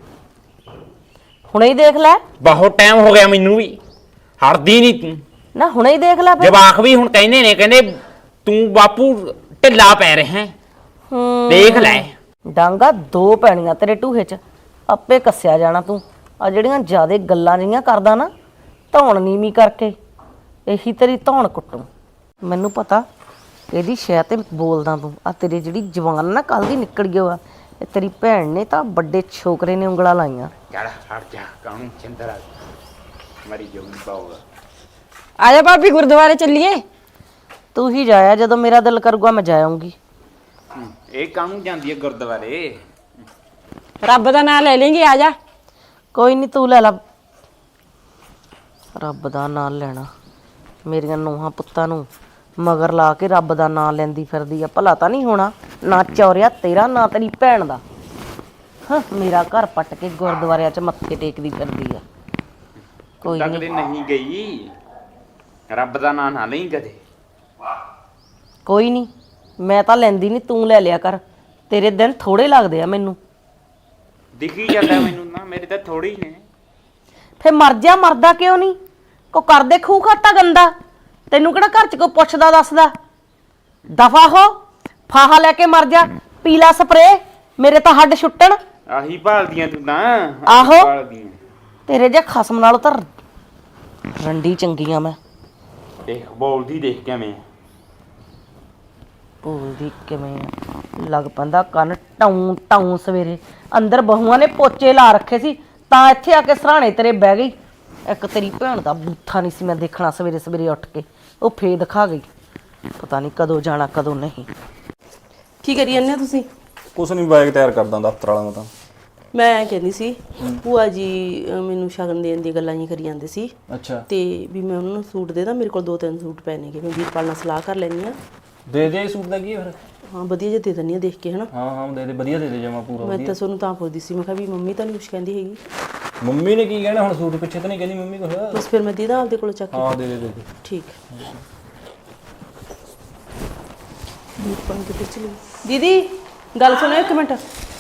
Speaker 5: ਹੁਣੇ ਹੀ ਦੇਖ ਲੈ।
Speaker 1: ਬਹੁਤ ਟਾਈਮ ਹੋ ਗਿਆ ਮੈਨੂੰ ਵੀ, ਹਟਦੀ ਨਹੀਂ ਤੂੰ।
Speaker 5: ਨਾ ਹੁਣੇ ਹੀ ਦੇਖ ਲੈ ਫਿਰ।
Speaker 1: ਜਵਾਕ ਵੀ ਹੁਣ ਕਹਿੰਦੇ ਨੇ, ਕਹਿੰਦੇ ਤੂੰ ਬਾਪੂ ਢਿੱਲਾ ਪੈ ਰਿਹਾ ਹੈ। ਦੇਖ ਲੈ,
Speaker 5: ਡਾਂਗਾ 2 ਪੈਣੀਆਂ ਤੇਰੇ ਢੂਹੇ 'ਚ, ਆਪੇ ਕੱਸਿਆ ਜਾਣਾ ਤੂੰ। ਆ ਜਿਹੜੀਆਂ ਜ਼ਿਆਦੇ ਗੱਲਾਂ ਜਿਹੀਆਂ ਕਰਦਾ ਨਾ, ਧੌਣ ਨੀਵੀਂ ਕਰਕੇ, ਇਹੀ ਤੇਰੀ ਧੌਣ ਕੁੱਟੂ। ਮੈਨੂੰ ਪਤਾ ਇਹਦੀ ਸ਼ਾਇਦ ਤੇ ਬੋਲਦਾ ਤੂੰ। ਆ ਤੇਰੀ ਜਿਹੜੀ ਜਵਾਨ ਨਾ ਕੱਲ ਦੀ ਨਿਕਲ ਗਈ ਆ, ਇਹ ਤੇਰੀ ਭੈਣ ਨੇ ਤਾਂ ਵੱਡੇ ਛੋਕਰੇ ਨੇ ਉਂਗਲਾਂ ਲਾਈਆਂ।
Speaker 1: ਚੱਲ ਹਟ ਜਾ, ਕਾਹਨੂੰ ਚਿੰਦਰਾ ਮਰੀ ਜਾਊਗੀ ਪਾਉਗਾ।
Speaker 6: ਆ ਜਾ ਭਾਬੀ ਗੁਰਦੁਆਰੇ ਚੱਲੀਏ।
Speaker 5: ਤੂੰ ਹੀ ਜਾਇਆ, ਜਦੋਂ ਮੇਰਾ ਦਿਲ ਕਰੂਗਾ ਮੈਂ ਜਾਊਂਗੀ।
Speaker 1: ਇਹ ਕਾਹਨੂੰ ਜਾਂਦੀ ਹੈ ਗੁਰਦੁਆਰੇ?
Speaker 6: ਰੱਬ ਦਾ ਨਾਮ ਲੈ ਲੇਂਗੇ, ਆ ਜਾ।
Speaker 5: ਕੋਈ ਨਹੀਂ, ਤੂੰ ਲੈ ਲਾ। ਰੱਬ ਦਾ ਨਾਂ ਲੈਣਾ, ਮੇਰੀਆਂ ਨੂੰਹਾਂ ਪੁੱਤਾਂ ਨੂੰ ਮਗਰ ਲਾ ਕੇ ਰੱਬ ਦਾ ਨਾਂ ਲੈਂਦੀ ਫਿਰਦੀ ਆ। ਭਲਾ ਤਾਂ ਨਹੀਂ ਹੋਣਾ, ਨਾ ਚੌਰਿਆ ਤੇਰਾ, ਨਾ ਤੇਰੀ ਭੈਣ ਦਾ। ਹਾਂ ਮੇਰਾ ਘਰ ਪੱਟ ਕੇ ਗੁਰਦੁਆਰਿਆਂ 'ਚ ਮੱਥੇ ਟੇਕਦੀ ਫਿਰਦੀ ਆ। ਕੋਈ
Speaker 1: ਤੱਕ
Speaker 5: ਨਹੀਂ,
Speaker 1: ਦੇ ਨਹੀਂ ਗਈ, ਰੱਬ ਦਾ ਨਾਂ ਨਾ ਲਈ ਕਦੇ।
Speaker 5: ਕੋਈ ਨਹੀਂ, ਮੈਂ ਤਾਂ ਲੈਂਦੀ ਨਹੀਂ, ਤੂੰ ਲੈ ਲਿਆ ਕਰ। ਤੇਰੇ ਦਿਨ ਥੋੜੇ ਲੱਗਦੇ ਆ ਮੈਨੂੰ।
Speaker 1: ਦਿਖੀ ਜਾਂਦਾ ਮੈਨੂੰ ਨਾ, ਮੇਰੇ ਤਾਂ ਥੋੜੇ ਹੀ ਨੇ।
Speaker 5: ਫੇ ਮਰ ਜਾ, ਮਰਦਾ ਕਿਉਂ ਨਹੀਂ? ਕੋ ਕਰਦੇ ਖੂਹ ਖਾਤਾ ਗੰਦਾ, ਤੈਨੂੰ ਕਿਹੜਾ ਘਰ 'ਚ ਕੋਈ ਪੁੱਛਦਾ ਦੱਸਦਾ? ਦਫਾ ਹੋ, ਫਾਹਾ ਲੈ ਕੇ ਮਰ ਜਾ, ਪੀਲਾ ਸਪਰੇ, ਮੇਰੇ ਤਾਂ ਹੱਡ ਛੁੱਟਣ।
Speaker 1: ਆਹੀ ਭਾਲਦੀਆਂ ਤੂੰ ਤਾਂ।
Speaker 5: ਆਹੋ।
Speaker 1: ਭਾਲਦੀਆਂ।
Speaker 5: ਤੇਰੇ ਜੇ ਖਸਮ ਨਾਲੋਂ ਤਾਂ ਰੰਡੀ ਚੰਗੀਆਂ ਮੈਂ।
Speaker 1: ਦੇਖ ਬੋਲਦੀ, ਦੇਖ ਕਿਵੇਂ
Speaker 5: ਬੋਲਦੀ ਕਿਵੇਂ ਆ, ਲੱਗ ਪੈਂਦਾ ਕੰਨ ਟਾਉਂ ਟਾਉਂ। ਸਵੇਰੇ ਅੰਦਰ ਬਹੂਆਂ ਨੇ ਪੋਚੇ ਲਾ ਰੱਖੇ ਸੀ, ਤਾਂ ਇੱਥੇ ਆ ਕੇ ਸਰਾਣੇ ਤੇਰੇ ਬਹਿ ਗਈ। ਇੱਕ ਤੇਰੀ ਭੈਣ ਦਾ ਬੂਥਾ ਨਹੀਂ ਸੀ ਮੈਂ ਦੇਖਣਾ, ਸਵੇਰੇ ਸਵੇਰੇ ਉੱਠ ਕੇ ਉਹ ਫੇਰ ਦਿਖਾ ਗਈ। ਪਤਾ ਨਹੀਂ ਕਦੋਂ ਜਾਣਾ ਕਦੋਂ ਨਹੀਂ।
Speaker 3: ਕੀ ਕਰੀ ਜਾਂਦੇ ਹੋ ਤੁਸੀਂ?
Speaker 8: ਕੁਛ ਨਹੀਂ, ਬਾਈਕ ਤਿਆਰ ਕਰਦਾ ਦਫ਼ਤਰ ਵਾਲਾ। ਮੈਂ ਤਾਂ
Speaker 3: ਮੈਂ ਕਹਿੰਦੀ ਸੀ, ਭੂਆ ਜੀ ਮੈਨੂੰ ਸ਼ਗਨ ਦੇਣ ਦੀ ਗੱਲਾਂ ਹੀ ਕਰੀ ਜਾਂਦੇ ਸੀ।
Speaker 8: ਅੱਛਾ,
Speaker 3: ਤੇ ਵੀ ਮੈਂ ਉਹਨਾਂ ਨੂੰ ਸੂਟ ਦੇ ਦਾਂ, ਮੇਰੇ ਕੋਲ 2-3 ਸੂਟ ਪਏ ਨੇਗੇ, ਮੈਂ ਵੀਰਪਾਲ ਨਾਲ ਸਲਾਹ ਕਰ ਲੈਂਦੀ ਆ।
Speaker 8: ਦੇ ਦੇ ਸੂਟ ਦਾ ਕੀ ਹੈ ਫਿਰ?
Speaker 3: ਹਾਂ ਵਧੀਆ ਜਿਹਾ ਦੇ ਦਿੰਦੀ ਆ ਦੇਖ ਕੇ ਹਨਾ।
Speaker 8: ਹਾਂ ਦੇ ਦੇ ਵਧੀਆ ਦੇ ਦੇ ਜਮਾ ਪੂਰਾ
Speaker 3: ਮੈਂ ਤਾਂ ਤੁਹਾਨੂੰ ਤਾਂ ਪੁੱਛਦੀ ਸੀ, ਮੈਂ ਕਿਹਾ ਵੀ ਮੰਮੀ ਤਾਂ ਨਹੀਂ ਕੁਛ ਕਹਿੰਦੀ ਹੈਗੀ।
Speaker 8: ਮੰਮੀ ਨੇ ਕੀ ਕਹਿਣਾ ਹੁਣ, ਸੂਟ ਪਿੱਛੇ ਤਾਂ ਨਹੀਂ ਕਹਿੰਦੀ ਮੰਮੀ ਕੁਛ।
Speaker 3: ਬਸ ਫਿਰ ਮੈਂ ਦੀਦਾ ਆਪਦੇ ਕੋਲ ਚੱਕ ਕੇ।
Speaker 8: ਹਾਂ ਦੇ ਦੇ
Speaker 3: ਠੀਕ। ਦੀਦੀ ਗੱਲ ਸੁਣੋ ਇੱਕ ਮਿੰਟ,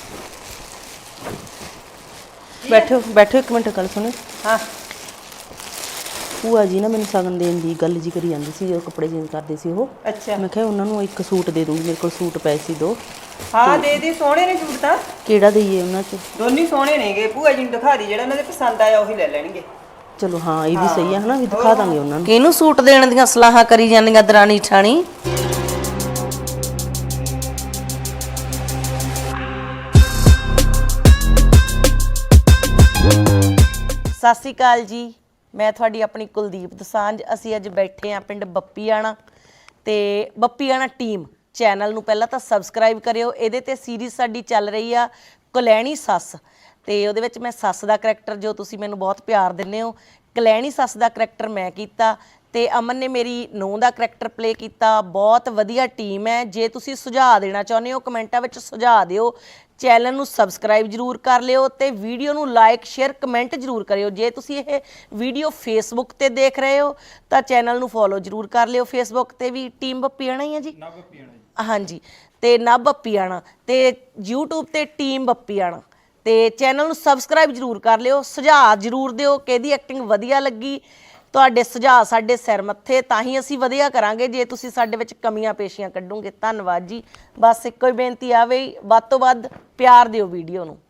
Speaker 3: ਬੈਠੋ ਬੈਠੋ ਇੱਕ ਮਿੰਟ, ਗੱਲ ਸੁਣੋ।
Speaker 5: ਹਾਂ
Speaker 3: ਭੂਆ ਜੀ ਨਾ ਮੈਨੂੰ ਸ਼ਗਨ ਦੇਣ ਦੀ ਗੱਲ ਜੀ ਕਰੀ ਜਾਂਦੀ ਸੀ, ਜਦੋਂ ਕੱਪੜੇ ਚੇਂਜ ਕਰਦੇ ਸੀ ਉਹ।
Speaker 5: ਅੱਛਾ
Speaker 3: ਮੈਂ ਕਿਹਾ ਉਹਨਾਂ ਨੂੰ ਇੱਕ ਸੂਟ ਦੇ ਦੂੰਗੀ, ਮੇਰੇ ਕੋਲ ਸੂਟ ਪਏ ਸੀ 2।
Speaker 5: ਹਾਂ ਦੇ ਦੇ, ਸੋਹਣੇ ਨੇ ਸੂਟ ਤਾਂ
Speaker 3: ਕਿਹੜਾ ਦਈਏ ਉਹਨਾਂ 'ਚ?
Speaker 5: ਦੋਨੀ ਸੋਹਣੇ ਨੇਗੇ, ਭੂਆ ਜੀ ਨੂੰ ਦਿਖਾ ਦੀ, ਜਿਹੜਾ ਉਹਨਾਂ ਦੇ ਪਸੰਦ ਆਇਆ ਉਹੀ ਲੈ ਲੈਣਗੇ।
Speaker 3: ਚਲੋ ਹਾਂ ਇਹ ਵੀ ਸਹੀ ਹੈ ਹਨਾ, ਵੀ ਦਿਖਾ ਦਾਂਗੇ ਉਹਨਾਂ ਨੂੰ।
Speaker 5: ਕਿਹਨੂੰ ਸੂਟ ਦੇਣ ਦੀਆਂ ਸਲਾਹਾਂ ਕਰੀ ਜਾਂਦੀਆਂ ਦਰਾਣੀ ਠਾਣੀ? ਸਤਿ ਸ਼੍ਰੀ ਅਕਾਲ ਜੀ, ਮੈਂ ਤੁਹਾਡੀ ਆਪਣੀ ਕੁਲਦੀਪ ਦਸਾਂਝ। ਅਸੀਂ ਅੱਜ ਬੈਠੇ ਹਾਂ ਪਿੰਡ ਬੱਪੀਆਣਾ, ਤੇ ਬੱਪੀਆਣਾ ਟੀਮ ਚੈਨਲ ਨੂੰ ਪਹਿਲਾਂ ਤਾਂ ਸਬਸਕ੍ਰਾਈਬ ਕਰਿਓ। ਇਹਦੇ ਤੇ ਸੀਰੀਜ਼ ਸਾਡੀ ਚੱਲ ਰਹੀ ਆ ਕਲੈਣੀ ਸੱਸ, ਤੇ ਉਹਦੇ ਵਿੱਚ ਮੈਂ ਸੱਸ ਦਾ ਕਰੈਕਟਰ, ਜੋ ਤੁਸੀਂ ਮੈਨੂੰ ਬਹੁਤ ਪਿਆਰ ਦਿੰਦੇ ਹੋ, ਕਲੈਣੀ ਸੱਸ ਦਾ ਕਰੈਕਟਰ ਮੈਂ ਕੀਤਾ, ਤੇ ਅਮਨ ਨੇ ਮੇਰੀ ਨੂੰਹ ਦਾ ਕਰੈਕਟਰ ਪਲੇ ਕੀਤਾ। ਬਹੁਤ ਵਧੀਆ ਟੀਮ ਹੈ। ਜੇ ਤੁਸੀਂ ਸੁਝਾਅ ਦੇਣਾ ਚਾਹੁੰਦੇ ਹੋ ਕਮੈਂਟਾਂ ਵਿੱਚ ਸੁਝਾਅ ਦਿਓ। ਚੈਨਲ ਨੂੰ ਸਬਸਕ੍ਰਾਈਬ ਜ਼ਰੂਰ ਕਰ ਲਿਓ, ਤੇ ਵੀਡੀਓ ਨੂੰ ਲਾਈਕ ਸ਼ੇਅਰ ਕਮੈਂਟ ਜ਼ਰੂਰ ਕਰਿਓ। ਜੇ ਤੁਸੀਂ ਇਹ ਵੀਡੀਓ ਫੇਸਬੁੱਕ ਤੇ ਦੇਖ ਰਹੇ ਹੋ ਤਾਂ ਚੈਨਲ ਨੂੰ ਫੋਲੋ ਜ਼ਰੂਰ ਕਰ ਲਿਓ। ਫੇਸਬੁੱਕ ਤੇ ਵੀ ਟੀਮ ਬੱਪੀਆਣਾ ਹੀ ਹੈ ਜੀ, ਹਾਂਜੀ, ਤੇ ਨਵ ਬੱਪੀਆਣਾ, ਤੇ YouTube ਤੇ ਟੀਮ ਬੱਪੀਆਣਾ। ਤੇ ਚੈਨਲ ਨੂੰ ਸਬਸਕ੍ਰਾਈਬ ਜ਼ਰੂਰ ਕਰ ਲਿਓ। ਸੁਝਾਅ ਜ਼ਰੂਰ ਦਿਓ ਕਿਹਦੀ ਐਕਟਿੰਗ ਵਧੀਆ ਲੱਗੀ। ਤੁਹਾਡੇ ਸੁਝਾਅ ਸਾਡੇ ਸਿਰ ਮੱਥੇ, ਤਾਂ ਹੀ ਅਸੀਂ ਵਧੀਆ ਕਰਾਂਗੇ ਜੇ ਤੁਸੀਂ ਸਾਡੇ ਵਿੱਚ ਕਮੀਆਂ ਪੇਸ਼ੀਆਂ ਕੱਢੋਗੇ। ਧੰਨਵਾਦ ਜੀ। ਬਸ ਇੱਕੋ ਹੀ ਬੇਨਤੀ ਆਵੇ, ਵੱਧ ਤੋਂ ਵੱਧ ਪਿਆਰ ਦਿਓ ਵੀਡੀਓ ਨੂੰ।